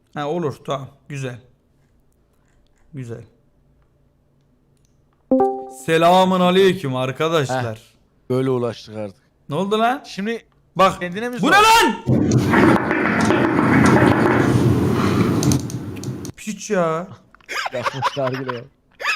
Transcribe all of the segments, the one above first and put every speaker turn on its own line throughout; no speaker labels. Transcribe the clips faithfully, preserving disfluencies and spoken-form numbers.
Ha olur, tamam, güzel. Güzel. Selamun aleyküm
Heh,
arkadaşlar.
böyle ulaştık artık.
Ne oldu lan?
Şimdi
Bak.
kendine mi
Bu
zor?
ne lan? Piç ya.
Yapmışlar gibi ya.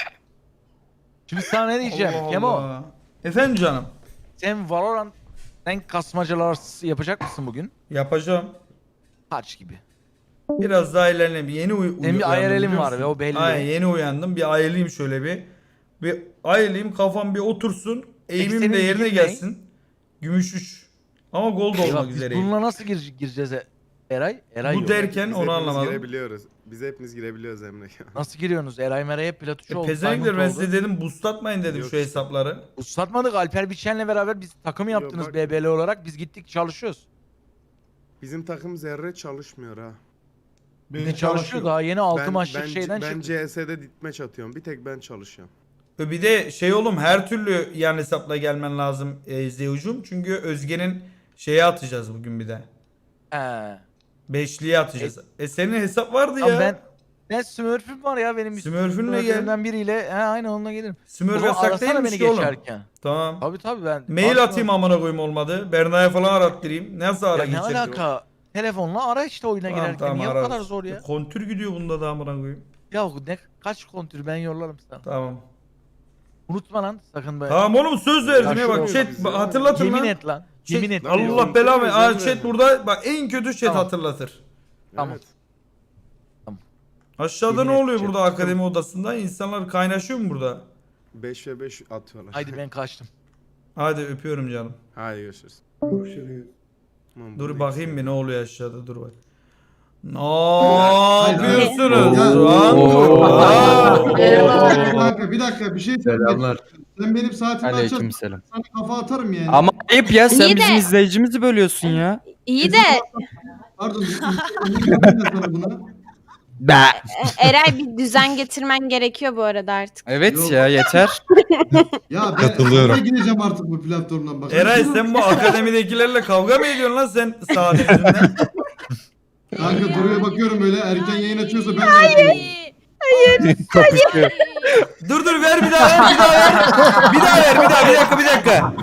Şimdi sana ne diyeceğim
Allah
Kemo?
Allah. Efendim canım.
Sen Valorant renk kasmacalar yapacak mısın bugün?
Yapacağım.
Kaç gibi?
Biraz daha ilerleyeyim. Yeni uy
Senin bir
uyandım,
I R L'in
biliyor
var
musun?
ve o belli.
Aynen, yeni uyandım. Bir ayılayım şöyle bir. Bir ayılayım, kafam bir otursun. Eğimim
senin
de yerine
ligin ne?
gelsin. Gümüş üç. Ama gold
Eyvah,
olmak
biz
üzereyim.
bununla nasıl gir gireceğiz e- Eray? Eray
Bu
yok.
derken
Biz
onu
hepimiz
anlamadım.
girebiliyoruz. Biz hepimiz girebiliyoruz Emre.
Nasıl giriyorsunuz? Eray Meray hep plat üç
E,
oldu.
pezevenkler, ben
Diamond
size
oldu.
dedim boostlatmayın dedim
Yok
şu
işte.
hesapları.
Uslatmadık, Alper Biçen'le beraber biz takım
Yok,
yaptınız
bak-
B B L olarak. Biz gittik çalışıyoruz.
Bizim takım zerre çalışmıyor ha.
Bir de çalışıyor, daha yeni altı
Ben,
maçlık
ben,
şeyden
ben
çıktık.
C S'de ditmeç atıyorum. Bir tek ben çalışıyorum.
E, Bir de şey oğlum, her türlü yan hesapla gelmen lazım e, Zeyucum. Çünkü Özge'nin şeye atacağız bugün bir de.
He.
Beşliğe atacağız. E, senin hesap vardı
Ama
ya.
ben ben Smurf'üm var ya benim.
Smurf'ünle gel.
Smurf'ümden biriyle. He aynen onunla gelirim.
Smurf
Baba,
yasak
arasana
değilmiş
beni
ki oğlum.
geçerken.
Tamam.
Tabii tabii ben.
Mail
Varsa-
atayım amına koyayım olmadı. Berna'ya falan arattırayım. Nasıl ara
Ya ne
geçeriz?
alaka? Telefonla ara işte oyuna
Tamam,
girerken.
tamam,
Niye bu
ararız.
kadar zor ya?
Kontür gidiyor bunda da amına koyayım.
Ya ne kaç kontür ben yollarım sana.
Tamam.
Unutma lan sakın be.
Tamam oğlum, söz verdim ya, bak
Yaşlanıyoruz
chat
biz ya.
hatırlatın
Yemin
lan.
et lan.
Chat-
Yemin et.
Lan
diyorum.
Allah belamı.
Unutmuyoruz
Aa,
Emre.
chat burada bak, en kötü chat
Tamam.
hatırlatır.
Tamam.
Evet.
Aşağıda
Yemin
ne
et
oluyor
chat.
burada akademi odasında? İnsanlar kaynaşıyor mu burada?
beş ve beş atıyorlar.
Haydi ben kaçtım.
Hadi öpüyorum canım.
Hadi görüşürüz. Tamam,
Dur
bunu
bakayım bir ne oluyor aşağıda, dur bak. Ne
hayır.
yapıyorsunuz?
Ya-
Lan
Oo.
Aa.
Bir dakika, bir dakika bir şey söyleyeyim.
Selamlar.
Sen benim saatimi açarsan
Aleykümselam.
sana kafa atarım yani.
Ama ayıp ya, sen
İyi de-
bizim izleyicimizi bölüyorsun ya.
İyi de
Pardon, ben sana bunu.
Be.
e, Eray bir düzen getirmen gerekiyor bu arada artık.
Evet
Yok.
ya, yeter.
Ya ben Katılıyorum. gireceğim artık bu platformdan bak.
Eray, sen bu akademidekilerle kavga mı ediyorsun lan sen saat yüzünden?
Kanka Duru'ya bakıyorum böyle, erken yayın açıyorsa ben de açıyorum.
Kapışıyor.
Dur dur, ver bir daha ver bir daha ver. Bir daha ver bir daha, bir dakika bir dakika.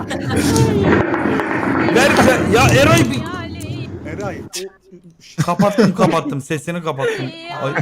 Ver bir daha. Ya Eray bir...
Eray.
Kapattım kapattım, sesini kapattım. Ay.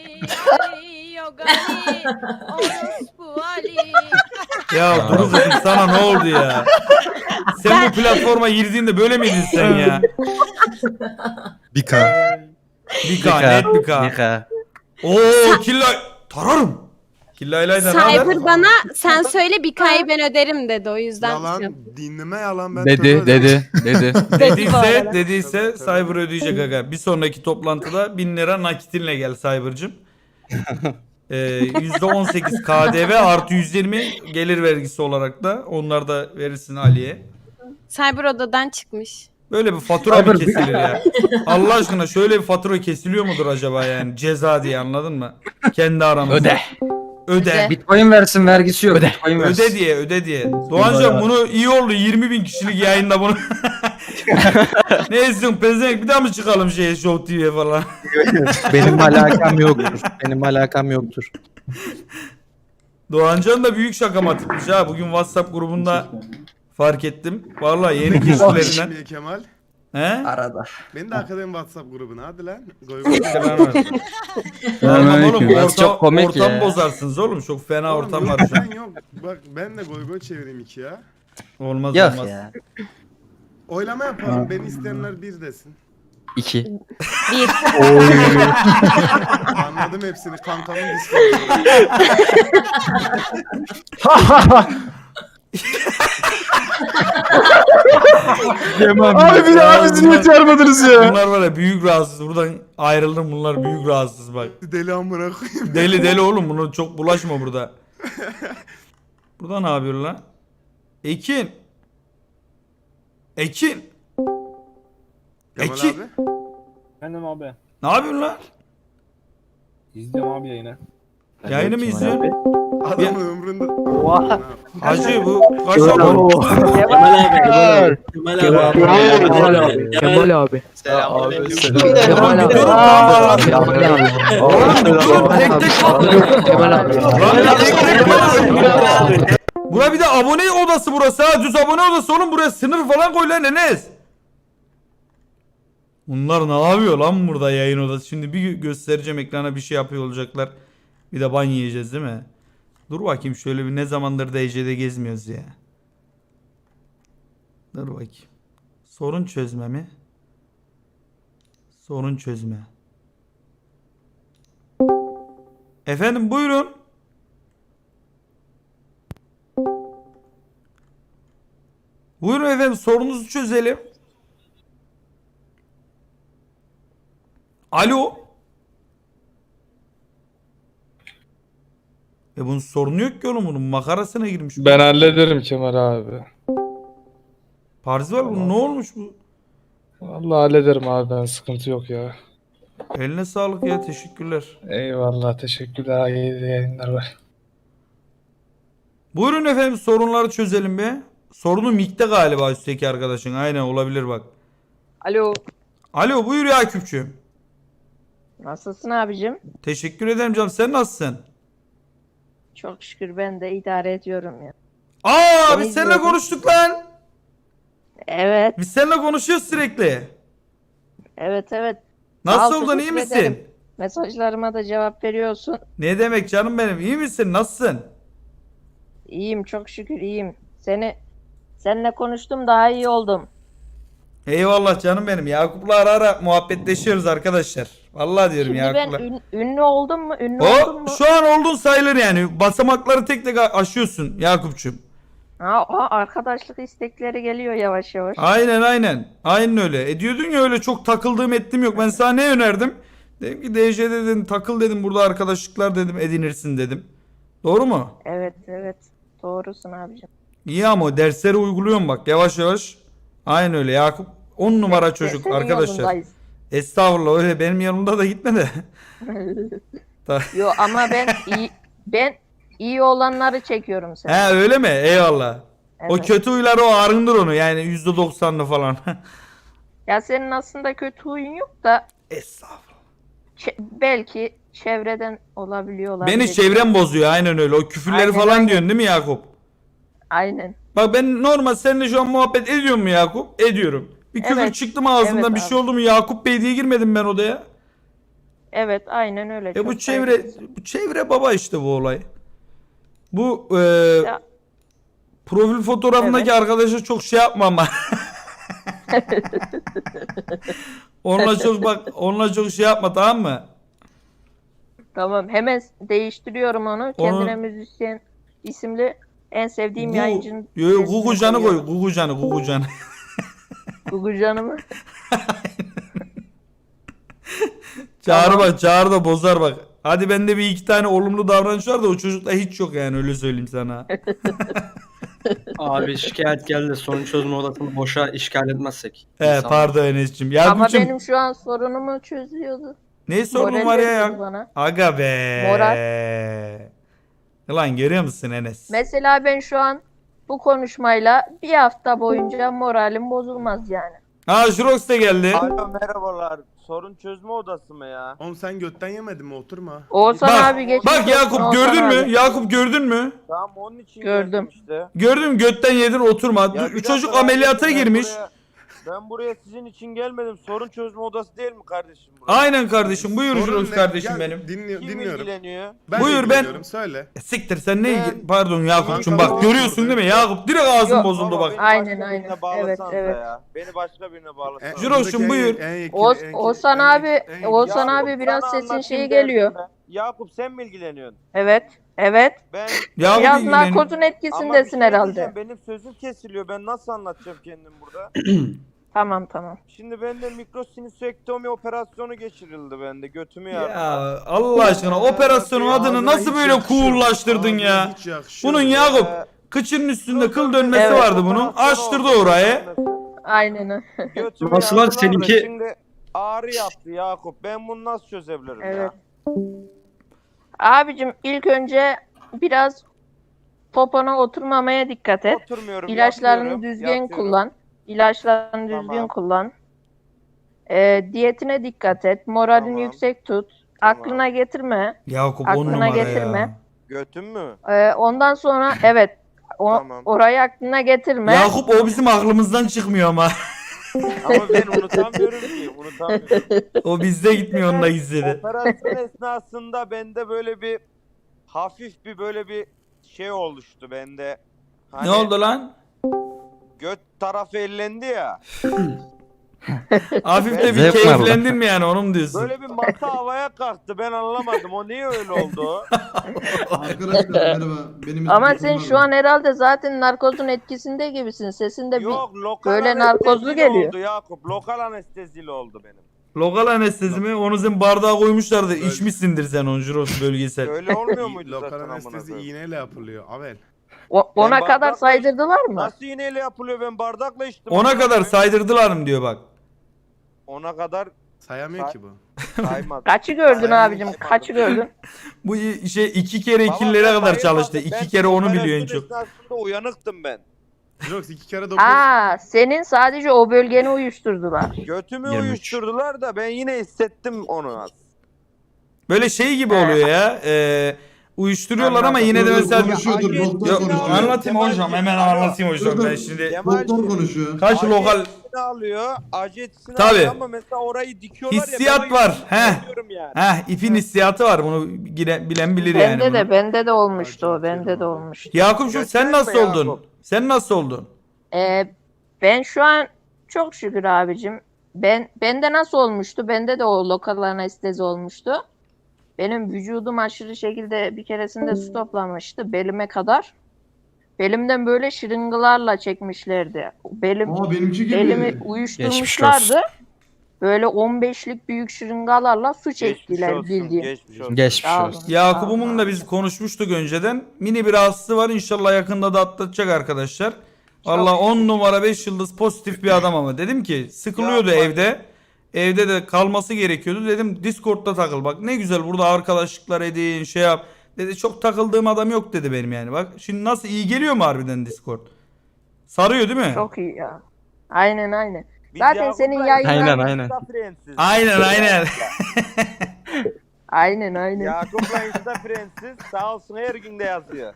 Ya dur kızım, sana ne oldu ya? Sen bu platforma girdiğinde böyle miydin sen ya?
Bir K.
Bir K, net bir K.
Nika.
Oo, killa tararım. Killa ilayda ne haber?
Cyber bana sen söyle bir kayı ben öderim dedi, o yüzden.
Yalan. Dinleme yalan. Ben
Dedi,
tövbe
dedi, dedi.
bu
Dediyse,
arada.
dediyse Cyber ödeyecek aga. Bir sonraki toplantıda bin lira nakitinle gel Cyber'cım. Ee, yüzde on sekiz K D V artı yüz yirmi gelir vergisi olarak da onlar da verirsin Ali'ye.
Cyber odadan çıkmış.
Böyle bir fatura mı kesilir ya? Allah aşkına şöyle bir fatura kesiliyor mudur acaba yani? Ceza diye, anladın mı? Kendi aramızda.
Öde.
Öde.
Bitcoin versin, vergisi yok. Öde. Bitcoin versin.
Öde diye, öde diye. Doğancan bunu iyi oldu, yirmi bin kişilik yayında bunu. Ne istiyorsun pezevenk, bir daha mı çıkalım şeye, Show T V'ye falan?
Benim alakam yoktur. Benim alakam yoktur.
Doğancan da büyük şakamatipmiş ha. Bugün WhatsApp grubunda fark ettim. Vallahi yeni keşiflerinden.
Şimdi Kemal.
He?
Arada.
Beni de akademi WhatsApp grubuna hadi lan. Goy goy.
Tamam oğlum,
Biraz
ortam,
çok komik
ortam
ya.
bozarsınız oğlum. Çok fena
Oğlum
ortam
yok,
var şu an.
ben yok. Bak ben de goy goy çevireyim iki ya.
Olmaz
Yok
olmaz.
ya.
Oylama yapalım. Beni isteyenler bir desin.
İki.
Bir.
Anladım hepsini. Kankamın Discord'u.
Abi bir daha bizi niye çağırmadınız ya?
Bunlar var ya büyük rahatsız. Buradan ayrıldım, bunlar büyük rahatsız bak.
Deli amına koyayım.
Deli deli oğlum, bunu çok bulaşma burada. Burada ne yapıyor lan? Ekin. Ekin.
Kemal
Ekin.
abi.
Efendim abi.
Ne yapıyorsun lan?
İzliyorum abi yayını.
Yayını mı izliyorsun?
Adamın ömründe.
Hacı bu kaç abone?
Kemal abi. Kemal abi. Kemal abi. Kemal abi.
Selamünaleyküm.
Kemal abi.
Dur lan.
Kemal abi.
Oğlum dur tek tek
Kemal abi.
Lan tek tek bak. Bura bir de abone odası burası ha. Düz abone odası oğlum, buraya sınır falan koy lan Enes. Bunlar ne yapıyor lan burada yayın odası? Şimdi bir göstereceğim, ekrana bir şey yapıyor olacaklar. Bir de ban yiyeceğiz değil mi? Dur bakayım şöyle bir, ne zamandır D C'de gezmiyoruz ya. Dur bakayım. Sorun çözme mi? Sorun çözme. Efendim buyurun. Buyurun efendim, sorunuzu çözelim. Alo. E bunun sorunu yok ki oğlum, bunun makarasına girmiş.
Ben hallederim Kemal abi.
Parzival bunun ne olmuş bu?
Vallahi hallederim abi, ben sıkıntı yok ya.
Eline sağlık ya, teşekkürler.
Eyvallah, teşekkürler, iyi yayınlar var.
Buyurun efendim, sorunları çözelim be. Sorunu mikte galiba üstteki arkadaşın. Aynen, olabilir bak.
Alo.
Alo buyur ya Küpçüğüm.
Nasılsın abicim?
Teşekkür ederim canım, sen nasılsın?
Çok şükür ben de idare ediyorum ya.
Aa
Seni
biz seninle
izliyorum.
konuştuk lan.
Evet.
Biz seninle konuşuyoruz sürekli.
Evet evet.
Nasıl
Sağ ol,
oldun, iyi
teşekkür
misin?
ederim. Mesajlarıma da cevap veriyorsun.
Ne demek canım benim, iyi misin, nasılsın?
İyiyim çok şükür iyiyim. Seni seninle konuştum daha iyi oldum.
Eyvallah canım benim. Yakup'la ara ara muhabbetleşiyoruz arkadaşlar. Vallahi diyorum
Şimdi ben
Yakup'la.
ün- ünlü oldum mu? Ünlü oldum
O
mu?
şu an oldun sayılır yani. Basamakları tek tek aşıyorsun Yakup'cum.
Ha, ha, arkadaşlık istekleri geliyor yavaş yavaş.
Aynen aynen. Aynen öyle. E diyordun ya öyle çok takıldığım ettim yok. Ben sana ne önerdim? Dedim ki D J'de dedim takıl dedim, burada arkadaşlıklar dedim edinirsin dedim. Doğru mu?
Evet evet. Doğrusun abicim.
İyi ama o dersleri uyguluyorum bak yavaş yavaş. Aynen öyle Yakup. on numara çocuk
Senin
arkadaşlar.
yolundayız.
Estağfurullah, öyle benim yanımda da gitme de.
Yo ama ben iyi ben iyi olanları çekiyorum sen.
He öyle mi? Eyvallah. O
Evet.
kötü huyları o arındır onu yani yüzde doksanlı falan.
Ya senin aslında kötü huyun yok da
Estağfurullah.
çe- belki çevreden olabiliyorlar.
Beni çevrem bozuyor aynen öyle. O küfürleri
Aynen,
falan
aynen.
diyorsun değil mi Yakup?
Aynen.
Bak ben normal seninle şu an muhabbet ediyorum mu Yakup? Ediyorum. Bir küfür
Evet.
çıktı mı ağzından,
Evet
bir
abi.
şey oldu mu Yakup Bey diye girmedim ben odaya.
Evet aynen öyle.
E
Çok
bu çevre
saygılısın.
bu çevre baba işte bu olay. Bu e,
Ya.
profil fotoğrafındaki
Evet.
arkadaşa çok şey yapma ama. onunla çok bak onunla çok şey yapma, tamam mı?
Tamam hemen değiştiriyorum onu. Kendine müzisyen isimli en sevdiğim yayıncının.
Yo yo
resmini
Gugucan'ı koy.
koyuyorum.
Gugucan'ı Gugucan'ı.
Gugucan'ı mı?
Çağrı
Tamam.
bak, Çağrı da bozar bak. Hadi bende bir iki tane olumlu davranış var da o çocukta hiç yok yani, öyle söyleyeyim sana.
Abi şikayet geldi. Sorun çözme odasını boşa işgal etmezsek.
He
İnsanlar.
pardon Enes'cim.
Ama
Yakup'cum
benim şu an sorunumu çözüyordu.
ne sorunun
Moral
var ya
veriyordu
ya?
bana.
Aga be.
Moral.
Ulan görüyor musun Enes?
Mesela ben şu an bu konuşmayla bir hafta boyunca moralim bozulmaz yani.
Ha Jurox da geldi.
Alo merhabalar. Sorun çözme odası mı ya?
Oğlum sen götten yemedin mi? Oturma.
Oğuzhan
Bak,
abi geçmiş
bak
olsun,
Yakup
Oğuzhan
gördün mü?
abi.
Yakup gördün mü?
Tamam onun için
Gördüm.
geldim işte.
Gördün mü? Götten yedin oturma.
Ya
Dur,
bir
çocuk
dakika,
ameliyata
ben
girmiş.
buraya- ben buraya sizin için gelmedim. Sorun çözme odası değil mi kardeşim burası?
Aynen kardeşim. Buyur
Sorun
Jurox
ne?
kardeşim
Gel,
benim.
Dinliyor,
Kim
dinliyorum.
ilgileniyor?
Ben
Buyur,
Buyur
ben-
ben. Söyle.
E, siktir sen ne
Ben-
ilgi... Pardon Yakup'cum
Kanka,
bak
ben-
görüyorsun değil mi? Yakup direkt ağzın
Yok,
bozuldu
Baba,
bak.
beni
Aynen,
başka
aynen.
birine bağlasanıza
Evet, evet.
ya. Beni başka birine bağlasana.
Jurox'cum, buyur.
Oğuz- Oğuzhan abi- Oğuzhan
Yakup,
abi biraz
sana
sesin
anlatayım
şeyi
derdim
geliyor.
ben. Yakup sen mi ilgileniyorsun?
Evet. Evet.
Ben
Yakup
Biraz
ilgileniyor.
narkozun
Ama bir
etkisindesin
şey
herhalde.
diyeceğim, benim sözüm kesiliyor. Ben nasıl anlatacağım kendim burada?
Tamam tamam.
Şimdi bende mikrosinüsektomi operasyonu geçirildi bende. Götümü yardım.
Ya Allah aşkına operasyonun adını nasıl böyle coollaştırdın ya? Bunun Yakup kıçının üstünde kıl dönmesi
Evet.
vardı bunun. Açtırdı orayı.
Aynen öyle.
Götümü
Nasıl lan
yardılar da
seninki?
Şimdi ağrı yaptı Yakup. Ben bunu nasıl çözebilirim
Evet.
ya?
Abicim ilk önce biraz popona oturmamaya dikkat et.
Oturmuyorum.
İlaçlarını
yatıyorum,
düzgün
yatıyorum.
kullan. İlaçlarını
Tamam.
düzgün kullan. Ee, diyetine dikkat et. Moralini
Tamam.
yüksek tut.
Tamam.
Aklına getirme.
Yakup on
Aklına
numara
getirme.
ya.
Götün mü?
Ee, ondan sonra evet o,
Tamam.
orayı aklına getirme.
Yakup o bizim aklımızdan çıkmıyor ama.
Ama ben unutamıyorum ki. Unutamıyorum.
O bizde gitmiyor onunla gizledi.
Operasyon esnasında bende böyle bir hafif bir böyle bir şey oluştu bende. Hani
Ne oldu lan?
Göt tarafı ellendi ya.
Hafif de bir
Zevk var
keyiflendin mi yani onu mu diyorsun?
Böyle bir masa havaya kalktı. Ben anlamadım. O niye öyle oldu?
Arkadaşlar merhaba. Benim
Ama
ismim
sen
Furkan
şu
abi.
an herhalde zaten narkozun etkisinde gibisin. Sesinde bir
Yok lokal
böyle
anestezili
narkozlu geliyor.
oldu Yakup. Lokal anestezili oldu benim.
Lokal anestezi mi? Onu sen bardağa koymuşlardı. İçmişsindir sen onu Juros bölgesel.
Öyle olmuyor muydu
Lokal
zaten amına
anestezi
koyayım?
iğneyle yapılıyor. Avel.
O- ona
Ben
kadar
bardakla-
saydırdılar mı?
Nasıl iğneyle yapılıyor? Ben bardakla içtim.
Ona
amına
kadar
koyayım.
saydırdılar mı diyor bak.
Ona kadar
Sayamıyor
Say-
ki bu.
saymadım.
Kaçı gördün
Saymadım,
abicim?
saymadım.
Kaçı gördün?
Bu i- şey iki kere
Baba,
ikililere
ben
kadar
bayılmadım.
çalıştı.
Ben
İki kere onu biliyor en
operasyon
çok.
esnasında uyanıktım ben.
Jirox iki kere dokuz.
Aa, senin sadece o bölgeni uyuşturdular.
Götümü
yirmi üç.
uyuşturdular da ben yine hissettim onu az.
Böyle şey gibi oluyor ya. E, uyuşturuyorlar ama yine de
Dur, dur,
mesela...
konuşuyordur,
Acı
doktor
etkisini
konuşuyor.
alıyor.
Anlatayım hocam hemen anlatayım hocam
Dur,
ben
dur.
şimdi.
Kemal
Doktor konuşuyor.
Kaç
acı
lokal
etkisini alıyor. Acı etkisini
Tabii.
alıyor ama mesela orayı dikiyorlar ya.
Hissiyat
ben o
var,
yüzden
he.
diyorum Yani.
Heh ipin hissiyatı var bunu gire- bilen bilir yani.
Bende
bunu.
de bende de olmuştu o. Bende de olmuştu.
Yakup'cum sen
Gösterme
nasıl oldun?
Yakup.
Sen nasıl oldun?
Ee, ben şu an çok şükür abicim. Ben bende nasıl olmuştu? Bende de o lokal anestezi olmuştu. Benim vücudum aşırı şekilde bir keresinde su toplamıştı belime kadar. Belimden böyle şırıngalarla çekmişlerdi. Belim
Aa benimki gibi.
elimi uyuşturmuşlardı. Böyle on beşlik büyük şırıngalarla su
Geçmiş
çektiler
olsun.
bildiğin.
Geçmiş olsun.
Geçmiş
Sağ
olsun.
olun.
Yakup'umun da biz konuşmuştuk önceden. Mini bir rahatsızlığı var. İnşallah yakında da atlatacak arkadaşlar. Valla on numara beş yıldız pozitif bir adam ama. Dedim ki sıkılıyordu
Yapma.
evde. Evde de kalması gerekiyordu. Dedim Discord'da takıl. Bak ne güzel burada arkadaşlıklar edin şey yap. Dedi çok takıldığım adam yok dedi benim yani. Bak şimdi nasıl iyi geliyor mu harbiden Discord? Sarıyor değil mi?
Çok iyi ya. Aynen aynen.
Biz
Zaten
Yakup'la
senin yayınlar-
Aynen, aynen.
Insta friendsiz.
Aynen aynen.
Aynen aynen.
Yakup'la Insta friendsiz. Sağ olsun her gün de yazıyor.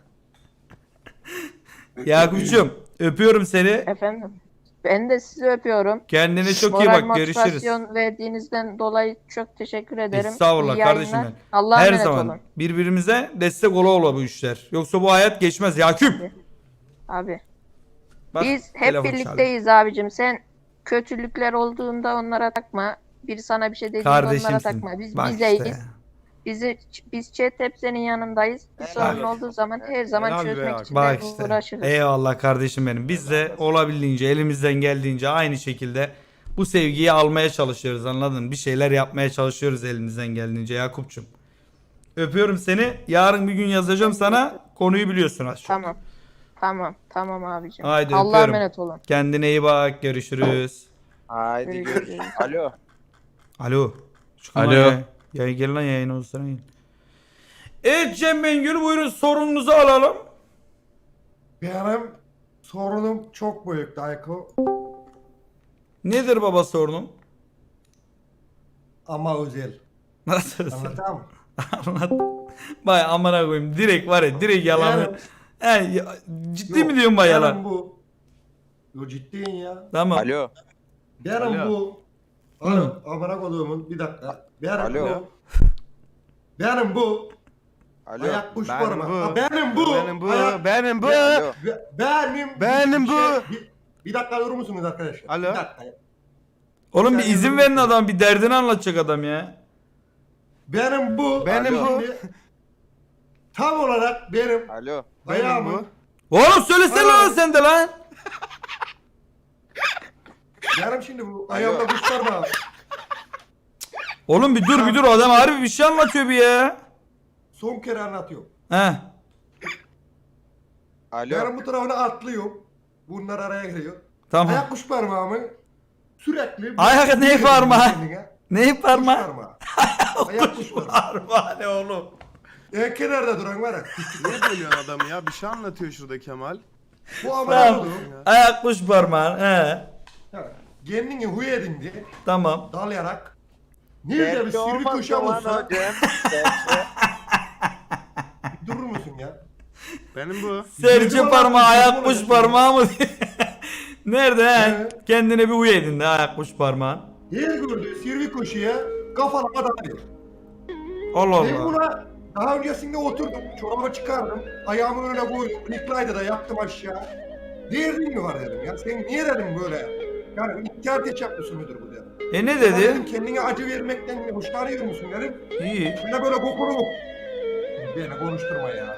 Yakup'cum öpüyorum seni.
Efendim. Ben de sizi öpüyorum.
Kendine çok iyi
Moral
bak görüşürüz.
motivasyon verdiğinizden dolayı çok teşekkür ederim.
Estağfurullah
İyi
kardeşim
yayınlar.
benim.
Allah'a
Her
emanet
zaman
olun.
birbirimize destek ola ola bu işler. Yoksa bu hayat geçmez Yakup.
Abi.
Bak,
Biz hep
telefon
birlikteyiz abicim. Sen kötülükler olduğunda onlara takma. Biri sana bir şey dediğinde onlara
Kardeşimsin.
takma. Biz
Bak
bizeyiz.
işte.
Bizi, biz chat hep senin yanındayız. Bir sorun olduğu zaman her zaman
Helal be
çözmek
Yakup.
için
Bak
de
işte.
uğraşırız.
Eyvallah kardeşim benim. Biz de olabildiğince elimizden geldiğince aynı şekilde bu sevgiyi almaya çalışıyoruz anladın mı? Bir şeyler yapmaya çalışıyoruz elimizden geldiğince Yakup'cum. Öpüyorum seni. Yarın bir gün yazacağım sana. Konuyu biliyorsun az çok.
Tamam. Tamam. Tamam abicim.
Haydi
Allah'a
öpüyorum.
emanet olun.
Kendine iyi bak. Görüşürüz.
Haydi
Görüşürüz.
görüşürüz. Alo.
Alo. Çıkın lan
Alo.
Ya. Ya gel lan yayına olsana. Evet Cem Bengül buyurun sorununuzu alalım.
Benim sorunum çok büyük Dayko
Nedir baba sorunun?
ama özel.
Nasıl?
Anlatamam.
Anlat. Bay amına koyayım. Direkt var ya direkt yalan.
Benim-
He, ya- ciddi
Yok,
mi diyorsun bay
benim
yalan?
bu. Yo ciddiyim ya.
Tamam.
Alo.
Benim
Alo.
bu. Oğlum amına koduğumun bir dakika. Benim
Alo.
bu. Benim bu.
Alo.
Ayak kuş
Benim
parmağı.
bu.
Ha, Benim bu.
Benim bu.
Ayak-
Benim bu.
Alo.
Be- Benim.
Benim
bir
bu.
şey- bir, bir dakika durur musunuz arkadaşlar?
Alo.
Bir dakika.
Oğlum bir
Sen
izin
yorum
verin
yapın.
adam bir derdini anlatacak adam ya.
Benim bu.
Benim
Alo.
bu.
Şimdi tam olarak benim
Alo.
Benim
ayağımın.
bu.
Oğlum söylesene
Alo.
lan sen de lan.
Benim şimdi bu ayağımda kuş parmağı.
Oğlum bir dur bir dur adam harbi bir şey anlatıyor bir ya.
Son kere anlatıyorum.
He.
Alo.
Benim bu tarafına atlıyorum. Bunlar araya giriyor.
Tamam.
Ayak kuş parmağımı sürekli...
Ayak ne parmağı?
Kendine.
Ne
Kuş
parmağı?
parmağı. Ayak kuş parmağı.
Parmağı ne oğlum?
En kenarda duran var ya.
Niye bölüyorsun adamı ya? Bir şey anlatıyor şurada Kemal.
Bu amına
Tamam.
koduğum.
Ayak kuş parmağın. He.
Kendini huy edindi.
Tamam.
Dalayarak. Nerede bir
Belki
sirvi
olmaz
köşem
lan
olsa.
o Cem. Belki.
Durur musun ya?
Benim bu.
Serçe
Bizim
parmağı
olan-
ayak
bizim
kuş
olan-
parmağı mı? Nerede he?
Evet.
Kendine bir uy edin de ayak kuş parmağın.
Her gördüğü sirvi köşeye kafalama dalıyor.
Allah
Ben
Allah.
buna daha öncesinde oturdum. Çorabı çıkardım. Ayağımın önüne koydum. Recline'da da yattım aşağı. Derdin mi var dedim ya. Sen niye dedim böyle? Yani ihtiyar teşebbüsü müdür bu dedim.
E ne
Ya
dedi?
dedim kendine acı vermekten mi hoşlanıyor musun dedim.
İyi.
Şöyle böyle kokunu. Beni konuşturma ya.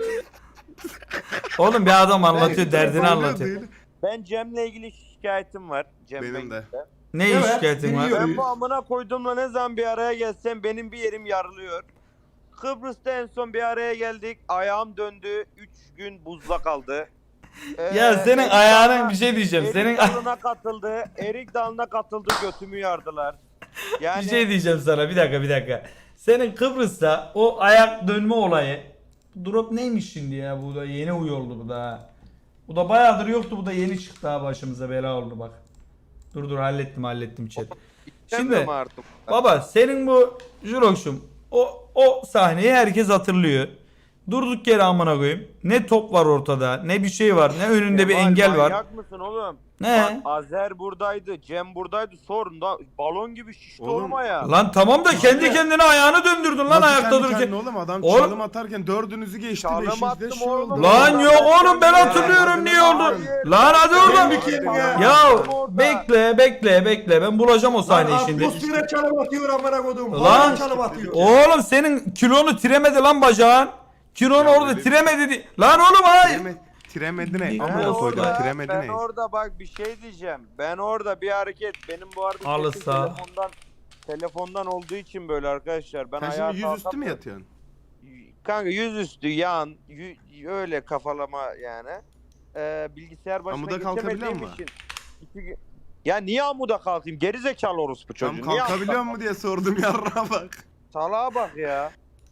Oğlum bir adam anlatıyor,
Evet,
derdini
Oluyor
anlatıyor.
değil.
Ben Cem'le ilgili şikayetim var. Cem
Benim
Bey'le.
de.
Ne
Evet,
şikayetin var?
biliyorum.
Ben bu amına koyduğumla ne zaman bir araya gelsem benim bir yerim yarılıyor. Kıbrıs'ta en son bir araya geldik. Ayağım döndü. üç gün buzda kaldı. Ee,
Ya senin
Erik
ayağının
Dalı'na-
bir şey diyeceğim.
Erik
Senin
dalına katıldı. Erik dalına katıldı. Götümü yardılar. Yani
bir şey diyeceğim sana. Bir dakika, bir dakika. Senin Kıbrıs'ta o ayak dönme olayı. Drop neymiş şimdi ya? Bu da yeni uy oldu bu da. ha. Bu da bayağıdır yoktu. Bu da yeni çıktı ha, başımıza bela oldu bak. Dur dur hallettim hallettim chat.
istemiyorum
Şimdi
artık.
baba senin bu Jurox'um o o sahneyi herkes hatırlıyor. Durduk yere amına koyayım. Ne top var ortada, ne bir şey var, ne önünde bir
Kemal,
engel var.
Manyak mısın oğlum?
Ne?
Bak, Azer buradaydı, Cem buradaydı. Sorun da balon gibi şişti
Oğlum,
olma ya.
Lan tamam da kendi kendine ayağını döndürdün lan
Nasıl
ayakta
kendi
dururken.
kendine oğlum adam
Oğlum-
çalım atarken dördünüzü geçti.
Çalım
Beşinci de
attım
şey
oğlum.
oldu.
Lan yok oğlum ben hatırlıyorum
Hayır,
niye oldu.
hayır.
Lan hadi oradan.
Bir kendine.
Ya
Orada.
bekle bekle bekle ben bulacağım o sahneyi şimdi.
Atmosfere çalım atıyor amına koduğum.
Lan-
Lan çalım atıyor.
Oğlum senin kilonu tiremedi lan bacağın. Kilonu
Ya
orada
öyle bir-
tiremedi. di- Lan oğlum hayır.
Tireme, tiremedi ne?
Ben
Ben
Amına koydum
orada,
tiremedi
ben
ne?
orada bak bir şey diyeceğim. Ben orada bir hareket benim bu arada
Halı
sesim
saha.
telefondan telefondan olduğu için böyle arkadaşlar. Ben
Sen
ayağa
şimdi yüzüstü mü
kalkamıyorum.
yatıyorsun?
Kanka yüzüstü yan yü- öyle kafalama yani. Ee, bilgisayar başına
Amuda kalkabiliyor
geçemediğim
mu?
için. iki gün- Ya niye amuda kalkayım? Gerizekalı orospu çocuğu.
Tam
Niye
kalkabiliyor
amuda
mu diye sordum yarrağa bak.
Salağa bak ya.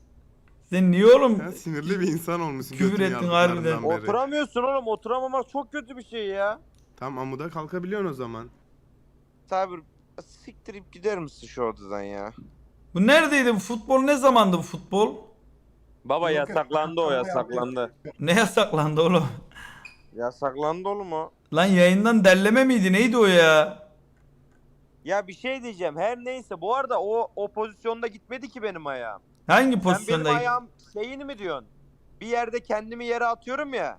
Sen niye oğlum?
Sen sinirli bir insan olmuşsun.
Küfür
götün
ettin
yardıklarından
harbiden.
beri.
Oturamıyorsun oğlum. Oturamamak çok kötü bir şey ya.
Tam amuda kalkabiliyorsun o zaman.
Sabir siktirip gider misin şu odadan ya?
Bu neredeydi bu futbol ne zamandı bu futbol?
Baba
Yok, yok,
yasaklandı o
yapıyor.
yasaklandı.
Ne yasaklandı oğlum?
Yasaklandı oğlum o.
Lan yayından derleme miydi neydi o ya?
Ya bir şey diyeceğim. Her neyse bu arada o o pozisyonda gitmedi ki benim ayağım.
Hangi
Sen benim
pozisyonda?
ayağım şeyini mi diyorsun? Bir yerde kendimi yere atıyorum ya.